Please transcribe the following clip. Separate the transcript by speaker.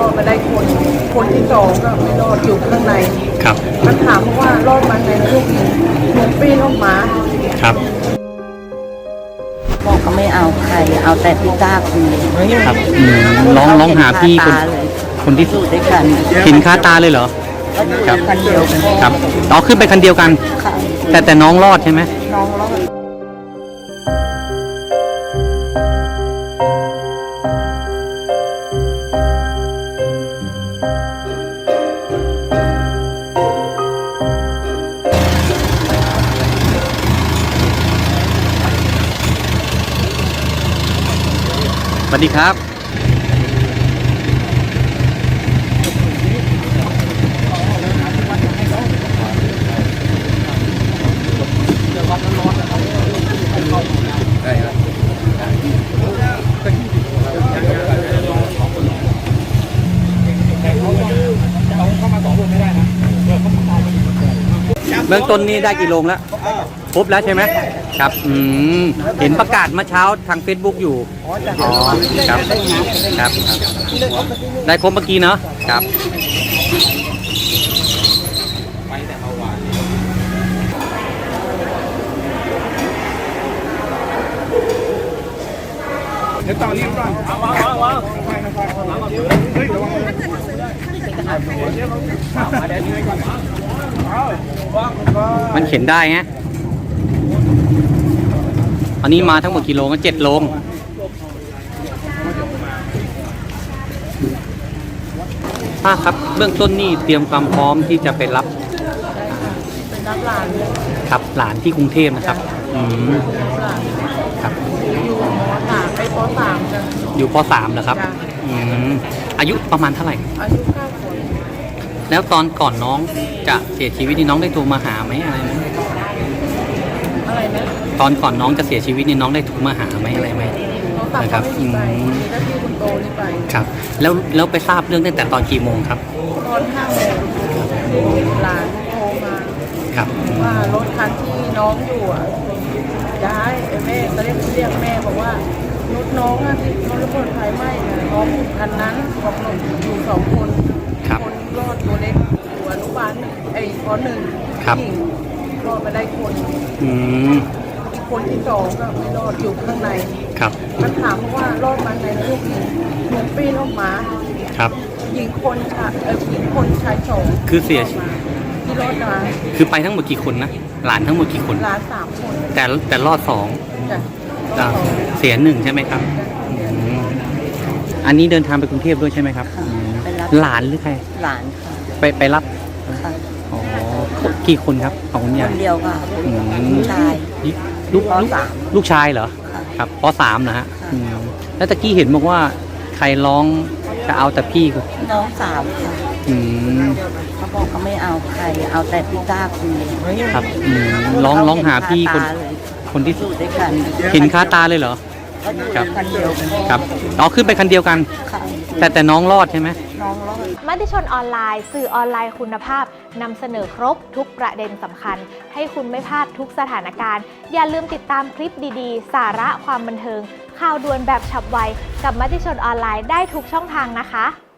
Speaker 1: อดมาได้คนที่สองก็ไม่รอดอยู่ข้างใน
Speaker 2: ครับ
Speaker 1: มันถามว่ารอดมาไงลูกหนูปีนออกมา
Speaker 2: ครับ
Speaker 3: บอกก็ไม่เอาใครเอาแต่พี่ต้าคนเดียว
Speaker 2: ครับลองหาพี่คนที่
Speaker 3: อยู่ด้วยกัน
Speaker 2: เห็นคาตาเลยเหรอ
Speaker 3: ครับคันเดียวกัน
Speaker 2: ครับอ๋อขึ้นไปคันเดียวกันแต่น้องรอดใช่ไหม
Speaker 3: น้องรอด
Speaker 2: สวัสดีครับเบื้องต้นนี่ได้กี่โลงแล้วครบแล้วใช่ไหมครับเห็นประกาศเมื่อเช้าทาง Facebook อยู่อ๋อครับครับได้ครบเมื่อกี้เนาะครับเดี๋ยวตอนนี้ก่อนมันเข็นได้ไงอันนี้มาทั้งหมดกี่โลก็7 โลป้าครับเบื้องต้นนี่เตรียมความพร้อมที่จะไปรับ
Speaker 1: หลาน
Speaker 2: ครับหลานที่กรุงเทพนะครับครับ
Speaker 1: อยู่ม.3 ไปป.3กัน
Speaker 2: อยู่ป.3เหรอครับอายุประมาณเท่าไหร่
Speaker 1: อายุ9 ขวบ
Speaker 2: แล้วตอนก่อนน้องจะเสียชีวิตนี่น้องได้โทรมาหาไหมอะไรไหม
Speaker 1: อะไรนะ
Speaker 2: ตอนก่อนน้องจะเสียชีวิตนี่น้องได้โทรมาหาไหมอะไรไหม
Speaker 1: นะครับก็ที่คุณโตนี่ไป
Speaker 2: ครับแล้วไปทราบเรื่องตั้งแต่ตอนกี่โมงครับ
Speaker 1: ตอน5 โมงหลานโทรมา
Speaker 2: ครับ
Speaker 1: ว่ารถคันที่น้องอยู่ย้ายแม่ก็เรียกแม่บอกว่ารถน้องที่เขาระเบิดไฟไหม้น้องคันนั้นบอกหนูอยู่2 คนคนรอดตัวเล็กตัวอนุบาลป.1
Speaker 2: ครับ
Speaker 1: รอดมาได้คนที่สองก็ไม่รอดอยู่ข้างใน
Speaker 2: ครับ
Speaker 1: มันถามว่ารอดมาไงลูกหนูปีนออกมา
Speaker 2: ครับ
Speaker 1: หญิงคนชาย2
Speaker 2: คือเสียชีวิต
Speaker 1: ที่รอดมา
Speaker 2: คือไปทั้งหมดกี่คนนะหลานทั้งหมดกี่คน
Speaker 1: หลาน3 คน
Speaker 2: แต่รอด2เสีย1ใช่ไหมครับอันนี้เดินทางไปกรุงเทพด้วยใช่ไหมครับหลานหรือใคร
Speaker 3: หลานค่ะ
Speaker 2: ไปรับอ๋อกี่คนครับของคุณยาย
Speaker 3: คนเดียวค่ะลูกชาย
Speaker 2: ลูกชายเหรอครับป.3นะฮะแล้วตะกี้เห็นบอกว่าใครร้องจะเอาแต่พี่
Speaker 3: น้องสาวค่ะเขาบอกก็ไม่เอาใครเอาแต่พี่ต้าคนเดียว
Speaker 2: ครับลองหาพี่คนที่
Speaker 3: อยู่ด้วยกัน
Speaker 2: เห็นคาตาเลยเหรอ
Speaker 3: ครับคันเดียวกัน
Speaker 2: ครับอ๋อขึ้นไปคันเดียวกันแต่น้องรอดใช่ไหม
Speaker 3: น้องรอด
Speaker 4: มติชนออนไลน์สื่อออนไลน์คุณภาพนำเสนอครบทุกประเด็นสำคัญให้คุณไม่พลาดทุกสถานการณ์อย่าลืมติดตามคลิปดีๆสาระความบันเทิงข่าวด่วนแบบฉับไวกับมติชนออนไลน์ได้ทุกช่องทางนะคะ